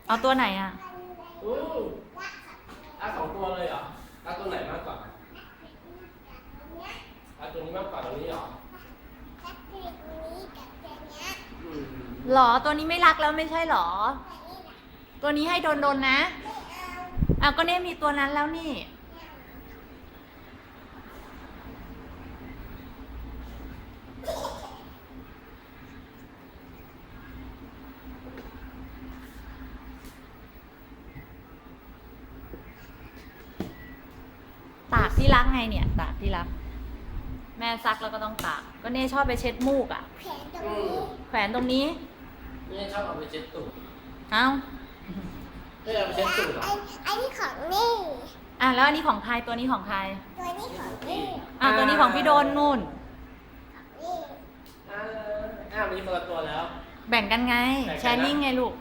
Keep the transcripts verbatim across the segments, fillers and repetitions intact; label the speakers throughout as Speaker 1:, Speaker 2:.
Speaker 1: เอาตัวไหนอ่ะ
Speaker 2: อืมเอาสองตัวเลยเหรอเอาตัวไหนมากกว่าเอาตัวนี้มากกว่าตัวนี้เหรออืม
Speaker 1: หรอตัวนี้ไม่รักแล้วไม่ใช่หรอ ตัวนี้ให้โดนโดนนะอ้าวก็เนี่ยมีตัวนั้นแล้วนี่ตากที่รักไงเนี่ยตากที่รัก แม่ซักแล้วก็ต้องตาก ก็เน่ชอบไปเช็ดมูกอ่ะ
Speaker 2: อืม
Speaker 1: แขวนตรงนี้
Speaker 2: นี่ชอบเอาไปเช็ดตูด
Speaker 1: เอ้า
Speaker 2: ไม่เอาไปเช็ดตูดเหรอ
Speaker 3: อันนี้ของนี่
Speaker 1: อ่ะแล้วอันนี้ของใครตัวนี้ของใคร
Speaker 3: ตัวนี้ของนี่
Speaker 1: อ่ะตัวนี้ของพี่โดนนู่น
Speaker 3: นี่
Speaker 2: อ่าอ้าวมีคนละตัวแล้ว
Speaker 1: แบ่งกันไง
Speaker 2: แบ่งกันนะ
Speaker 1: แชร์ลิงไงลูก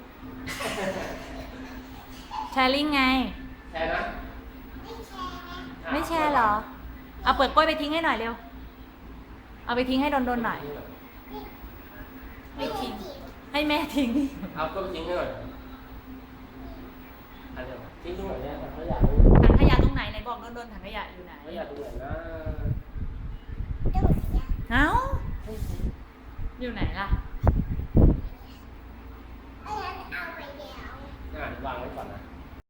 Speaker 1: แชร์ลิงไง
Speaker 2: แชร์นะ
Speaker 1: ไม่แชร์เหรอ เอาเปลือกกล้วยไปทิ้งให้หน่อยเร็ว เอาไปทิ้งให้โดนโดนๆหน่อย ไม่ทิ้ง ให้แม่ทิ้ง
Speaker 2: เอาก็ไปทิ้งให้หน่อยอันเดียวทิ้งตรงไหนเนี่ยเขาอยากรู้
Speaker 1: ถังขยะตรงไหนไหนบอกโดนโดนๆถังขยะอยู่ไหน
Speaker 2: เขาอยากดูไหนนะ
Speaker 3: ตัวนี้
Speaker 1: เอ้า อยู่ไหนล่ะ